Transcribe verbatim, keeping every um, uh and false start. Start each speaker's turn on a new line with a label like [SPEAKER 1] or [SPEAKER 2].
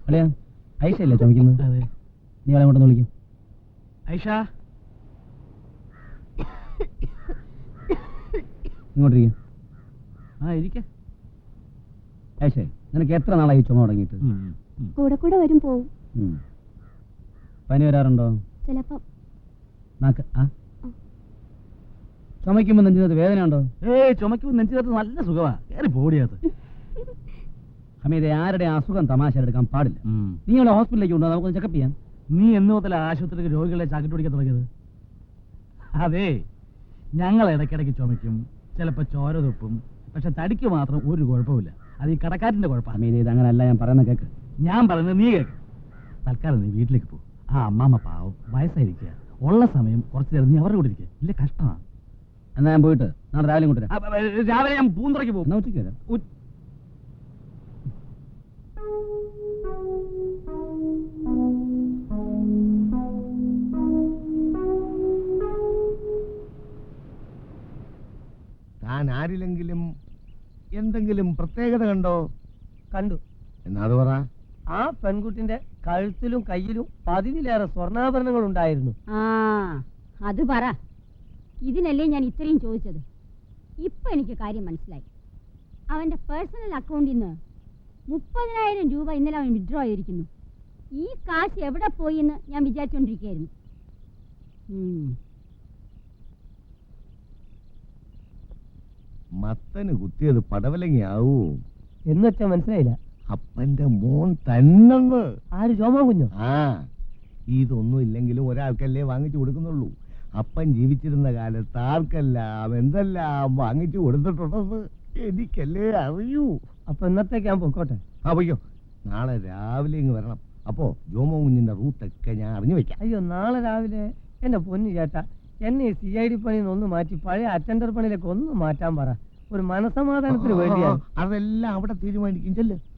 [SPEAKER 1] അല്ലയാ ഐഷയല്ലേ ചുമക്കുന്നത്?
[SPEAKER 2] അതെ.
[SPEAKER 1] നീ അവളെ കൊണ്ടൊന്ന് വിളിക്കും.
[SPEAKER 2] ഐഷ
[SPEAKER 1] ഇങ്ങോട്ടിരിക്കും.
[SPEAKER 2] ആ ഇരിക്ക.
[SPEAKER 1] ഐഷേ, നിനക്ക് എത്ര നാളായി ചുമ തുടങ്ങിയിട്ട്?
[SPEAKER 3] കൂടെ കൂടെ വരും പോവും.
[SPEAKER 1] പനി വരാറുണ്ടോ?
[SPEAKER 3] ചിലപ്പം.
[SPEAKER 1] നാക്ക് ആ ചുമയ്ക്കുമ്പോ നെഞ്ചിനകത്ത് വേദന ഉണ്ടോ?
[SPEAKER 2] ഏയ് ചുമക്കുമ്പോ നെഞ്ചിനകത്ത് നല്ല സുഖമാ. കയറി പോടിയത്.
[SPEAKER 1] ഹമീദെ, ആരുടെ അസുഖം തമാശ എടുക്കാൻ പാടില്ല. നീ അവളെ ഹോസ്പിറ്റലിലേക്ക് കൊണ്ടുപോകാം, നമുക്കൊന്ന് ചെക്കപ്പ് ചെയ്യാം.
[SPEAKER 2] നീ എന്ന് മുതൽ ആശുപത്രിക്ക് രോഗികളെ ചാക്കിട്ട് പിടിക്കാൻ തുടങ്ങിയത്? അതെ, ഞങ്ങൾ ഇടയ്ക്കിടയ്ക്ക് ചുമയ്ക്കും, ചിലപ്പോ ചോര തുപ്പും. പക്ഷെ തടിക്ക് മാത്രം ഒരു കുഴപ്പമില്ല. അത് ഈ കടക്കാരന്റെ കുഴപ്പമാണ്.
[SPEAKER 1] ഹമീദെ, ഇത് അങ്ങനല്ല, ഞാൻ പറയുന്ന കേക്ക്.
[SPEAKER 2] ഞാൻ പറയുന്നത് നീ കേക്ക്. തൽക്കാലം നീ വീട്ടിലേക്ക് പോ. ആ അമ്മാമ്മ പാവം വയസ്സായിരിക്കുക. ഉള്ള സമയം കുറച്ചു നേരം നീ അവരുടെ കൂടെ ഇരിക്കുക. ഇല്ല കഷ്ടമാണ്.
[SPEAKER 1] എന്നാ ഞാൻ പോയിട്ട് നാളെ രാവിലെ കൊണ്ടുവരാം.
[SPEAKER 2] രാവിലെ ഞാൻ പൂന്തുറയ്ക്ക് പോകും.
[SPEAKER 1] എന്നാ ഉച്ചയ്ക്ക് വരാം.
[SPEAKER 4] താൻ ആരിലെങ്കിലും എന്തെങ്കിലും പ്രത്യേകത കണ്ടോ?
[SPEAKER 5] കണ്ടു.
[SPEAKER 4] എന്നാ അത് പറ.
[SPEAKER 5] ആ പെൺകുട്ടിന്റെ കഴുത്തിലും കയ്യിലും പതിവിലേറെ സ്വർണ്ണാഭരണങ്ങൾ ഉണ്ടായിരുന്നു.
[SPEAKER 3] ആ അത് പറ. ഇതിനല്ലേ ഞാൻ ഇത്രയും ചോദിച്ചത്. ഇപ്പൊ എനിക്ക് കാര്യം മനസ്സിലായി. അവന്റെ പേഴ്സണൽ അക്കൗണ്ടിൽ നിന്ന് മുപ്പതിനായിരം രൂപ ഇന്നലെ അവൻ വിഡ്രോ ചെയ്തിരിക്കുന്നു. ഈ കാശ് എവിടെ പോയി എന്ന് ഞാൻ വിചാരിച്ചോണ്ടിരിക്കുകയായിരുന്നു.
[SPEAKER 4] മത്തന് കുത്തിയത് പടവലങ്ങിയാവൂ
[SPEAKER 5] എന്നുവെച്ചാ മനസ്സിലായില്ല.
[SPEAKER 4] അപ്പന്റെ മോൻ തന്നെന്ന്.
[SPEAKER 5] ആര്, ജോമോ കുഞ്ഞോ?
[SPEAKER 4] ആ, ഇതൊന്നും ഇല്ലെങ്കിലും ഒരാൾക്കല്ലേ വാങ്ങിച്ചു കൊടുക്കുന്നുള്ളൂ. അപ്പൻ ജീവിച്ചിരുന്ന കാലത്ത് ആർക്കെല്ലാം എന്തെല്ലാം വാങ്ങിച്ചു കൊടുത്തിട്ടുണ്ടെന്ന് എനിക്കല്ലേ അറിയൂ.
[SPEAKER 5] അപ്പൊ ഇന്നത്തേക്ക് ഞാൻ പൊക്കോട്ടെ.
[SPEAKER 4] ആ പൊയ്ക്കോ, നാളെ രാവിലെ ഇങ്ങ് വരണം. അപ്പോ ജോമോ കുഞ്ഞിന്റെ റൂട്ടൊക്കെ ഞാൻ അറിഞ്ഞു വെക്കാം.
[SPEAKER 5] അയ്യോ, നാളെ രാവിലെ എന്റെ പൊന്നു ചേട്ടാ, എന്നെ സി ഐ ഡി പണിയിൽ നിന്ന് ഒന്ന് മാറ്റി പഴയ അറ്റൻഡർ പണിയിലേക്ക് ഒന്ന് മാറ്റാൻ പറ. ഒരു മനസമാധാനത്തിന് വേണ്ടിയാണ്.
[SPEAKER 4] അതെല്ലാം അവിടെ തീരുമാനിക്കും. ചെല്ല്.